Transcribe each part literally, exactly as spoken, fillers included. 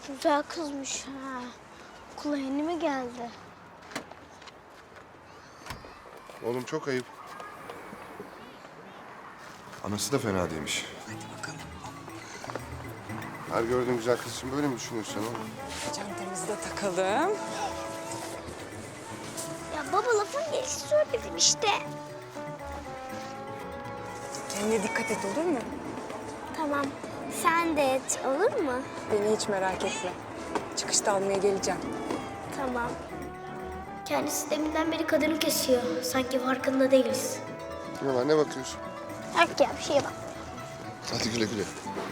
Güzel kızmış ha. Okula yeni mi geldi? Oğlum çok ayıp. Anası da fena değilmiş. Hadi bakalım. Her gördüğün güzel kız için böyle mi düşünüyorsun oğlum? Çantamızı da takalım. Ya baba lafın gelişi söyledim işte. Kendine dikkat et, olur mu? Tamam. Sen de et olur mu? Beni hiç merak etme. Çıkışta almaya geleceğim. Tamam. Kendisi deminden beri kadını kesiyor. Sanki farkında değiliz. Ne var, ne bakıyorsun? Yok ya bir şeye bak. Hadi güle güle.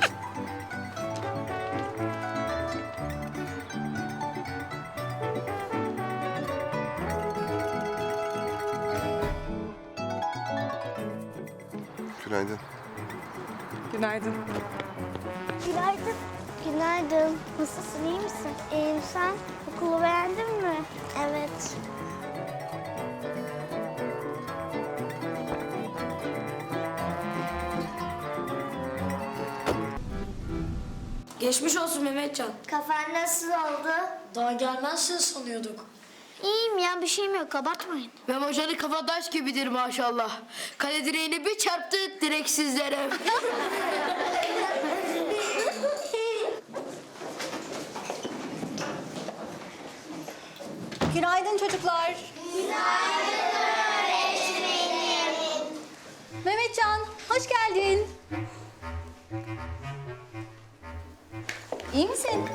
Günaydın. Günaydın. Günaydın. Günaydın. Nasılsın, iyi misin? İyiyim, sen? Okulu beğendin mi? Evet. Geçmiş olsun Mehmetcan. Kafan nasıl oldu? Daha gelmezsin sanıyorduk. İyiyim ya, bir şeyim yok. Abartmayın. Memo Hoca'nın kafa taş gibidir maşallah. Kale direğine bir çarptı direksizlere. Günaydın çocuklar. Günaydın öğretmenim. Mehmetcan, hoş geldin. İyi misin?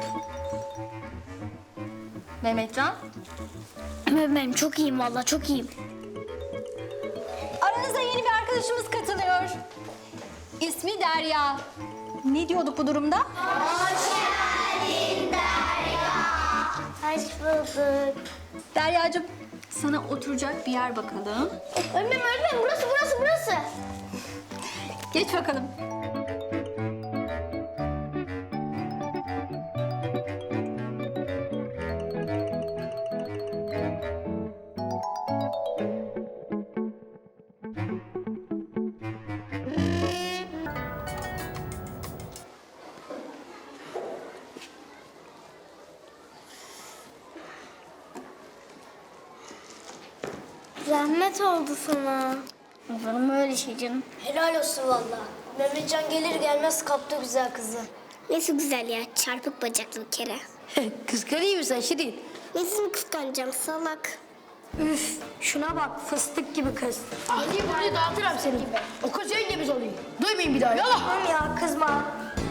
Mehmetcan, Ben çok iyiyim vallahi, çok iyiyim. aranıza yeni bir arkadaşımız katılıyor. İsmi Derya. Ne diyorduk bu durumda? Hoş bulduk. Deryacığım, sana oturacak bir yer bakalım. Öğretmenim, öğretmenim. Burası, burası, burası. Geç bakalım. Zahmet oldu sana. Olur mu öyle şey canım? Helal olsun vallahi. Mehmetcan gelir gelmez kaptı güzel kızı. Nesi güzel ya, çarpık bacaklı bir kere. Kıskanıyor musun sen Şirin? Nesini kıskanacağım, salak. Üf, şuna bak fıstık gibi kız. Geleyim buraya dağıtırım seni. O kız yengemiz oluyor. Duymayın bir daha yala. Tamam ya, kızma.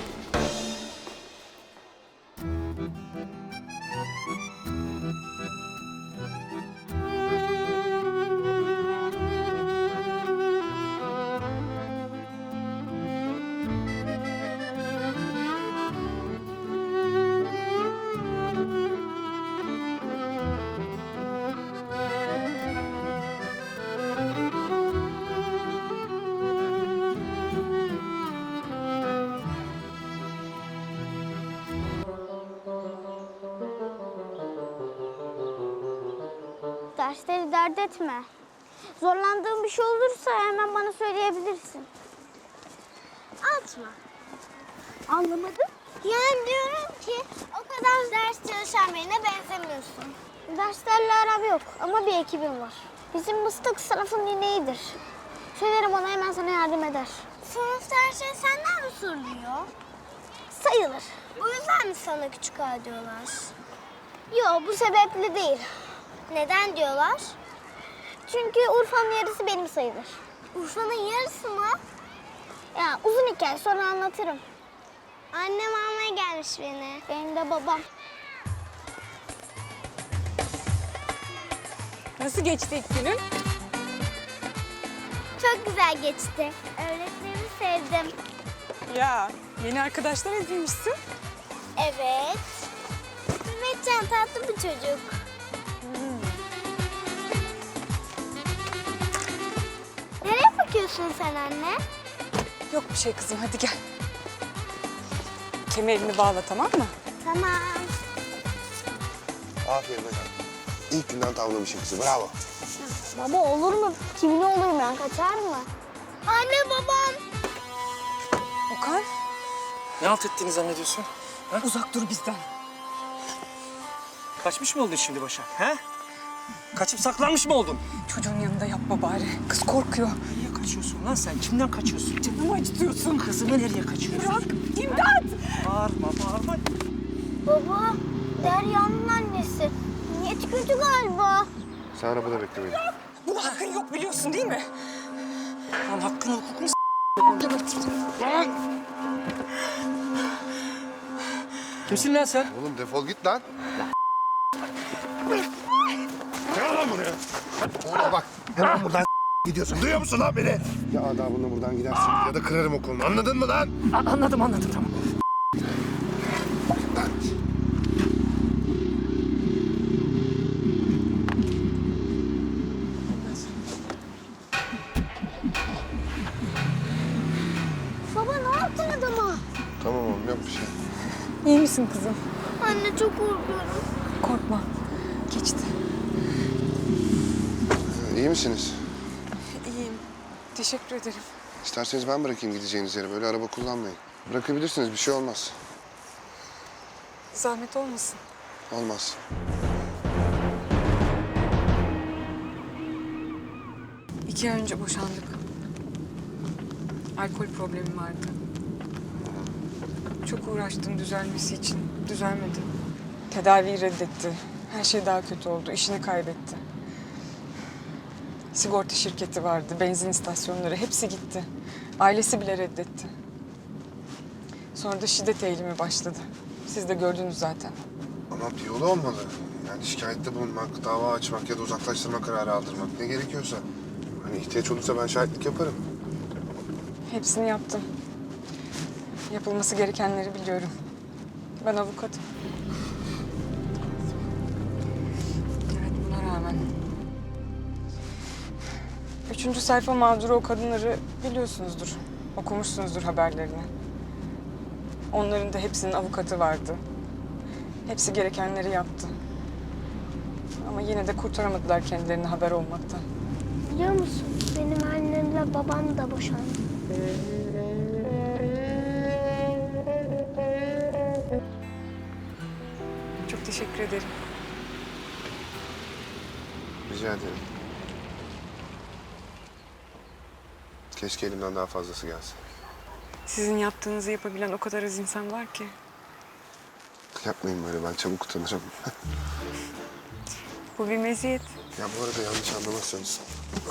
Dersleri dert etme. Zorlandığın bir şey olursa hemen bana söyleyebilirsin. Atma. Anlamadım. Yani diyorum ki o kadar ders çalışan birine benzemiyorsun. Derslerle aram yok ama bir ekibim var. Bizim mıstık sınıfın ineğidir. Söylerim ona, hemen sana yardım eder. Sınıfta her şey senden mi soruluyor? Sayılır. Bu yüzden mi sana küçük ağa diyorlar? Yok, bu sebeple değil. Neden diyorlar? Çünkü Urfa'nın yarısı benim sayılır. Urfa'nın yarısı mı? Ya uzun hikaye, sonra anlatırım. Annem almaya gelmiş beni. Benim de babam. Nasıl geçti ilk günün? Çok güzel geçti. Öğretmenimi sevdim. Ya, yeni arkadaşlar edinmişsin. Evet. Mehmetcan tatlı bir çocuk. Nereye bakıyorsun sen anne? Yok bir şey kızım, hadi gel. Kemerini bağla, tamam mı? Tamam. Aferin hocam. İlk günden tavlamışım kızı, bravo. Baba olur mu? Kimin olur mu? Kaçar mı? Anne, babam. Okan, Ne halt ettiğini zannediyorsun? uzak dur bizden. Kaçmış mı oldun şimdi Başak? He? Kaçıp saklanmış mı oldun? Çocuğun yanında yapma bari. Kız korkuyor. Niye kaçıyorsun lan sen? Kimden kaçıyorsun? Canımı acıtıyorsun. Kızımı nereye kaçırıyorsun? Bırak. İmdat. Bağırma, bağırma. Baba, Derya'nın annesi. Niyeti kötü galiba. Sen arabada bekle beni. Buna hakkın yok biliyorsun değil mi? Lan hakkını hukukunu s***. Lan. Kimsin lan sen? Oğlum defol git lan. Gel lan buraya. Oğlum bak. Hemen buradan gidiyorsun. Duyuyor musun lan beni? Ya adabınla buradan gidersin ya da kırarım o kolunu. Anladın mı lan? A- anladım, anladım tamam. Lan. Baba ne yaptın adama? Tamam oğlum yok bir şey. İyi misin kızım? Anne çok korkuyorum. Korkma. Geçti. Ee, İyi misiniz? İyiyim. Teşekkür ederim. İsterseniz ben bırakayım gideceğiniz yere. Böyle araba kullanmayın. Bırakabilirsiniz bir şey olmaz. Zahmet olmasın. Olmaz. İki ay önce boşandık. Alkol problemim vardı. Çok uğraştım düzelmesi için. Düzelmedi. Tedaviyi reddetti. Her şey daha kötü oldu. İşini kaybetti. Sigorta şirketi vardı, benzin istasyonları hepsi gitti. Ailesi bile reddetti. Sonra da şiddet eğilimi başladı. Siz de gördünüz zaten. Ama bir yolu olmalı. Yani şikayette bulunmak, dava açmak ya da uzaklaştırma kararı aldırmak ne gerekiyorsa. Hani ihtiyaç olursa ben şahitlik yaparım. Hepsini yaptım. Yapılması gerekenleri biliyorum. Ben avukatım. Evet, buna rağmen. Üçüncü sayfa mağduru o kadınları biliyorsunuzdur. Okumuşsunuzdur haberlerini. Onların da hepsinin avukatı vardı. Hepsi gerekenleri yaptı. Ama yine de kurtaramadılar kendilerini haber olmaktan. Biliyor musun? Benim annemle babam da boşandı. Çok teşekkür ederim. Rica ederim. Keşke elimden daha fazlası gelsin. Sizin yaptığınızı yapabilen o kadar az insan var ki. Yapmayın böyle, ben çabuk utanırım. Bu bir meziyet. Ya bu arada yanlış anlamazsanız...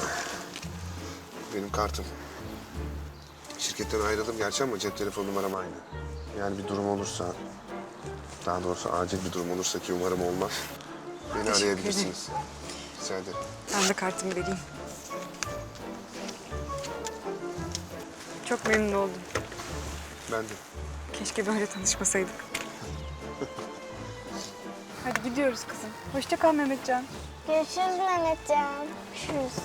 Benim kartım. Şirketten ayrıldım gerçi ama cep telefon numaram aynı. Yani bir durum olursa... Daha doğrusu acil bir durum olursa ki umarım olmaz. Beni Teşekkür arayabilirsiniz. Rica ederim. Ben de kartımı vereyim. Çok memnun oldum. Ben de. Keşke böyle tanışmasaydık. Hadi gidiyoruz kızım. Hoşça kal Mehmetcan. Görüşürüz Mehmetcan. Görüşürüz.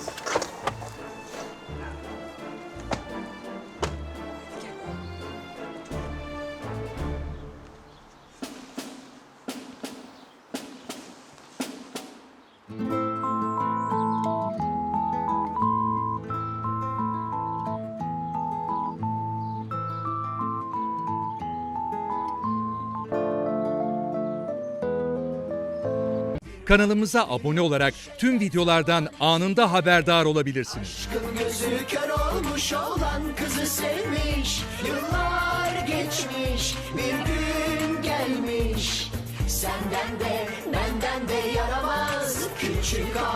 Kanalımıza abone olarak tüm videolardan anında haberdar olabilirsiniz. Aşkın gözü kör olmuş olan kızı sevmiş. Yıllar geçmiş, bir gün gelmiş. Senden de benden de yaramaz küçük ağa.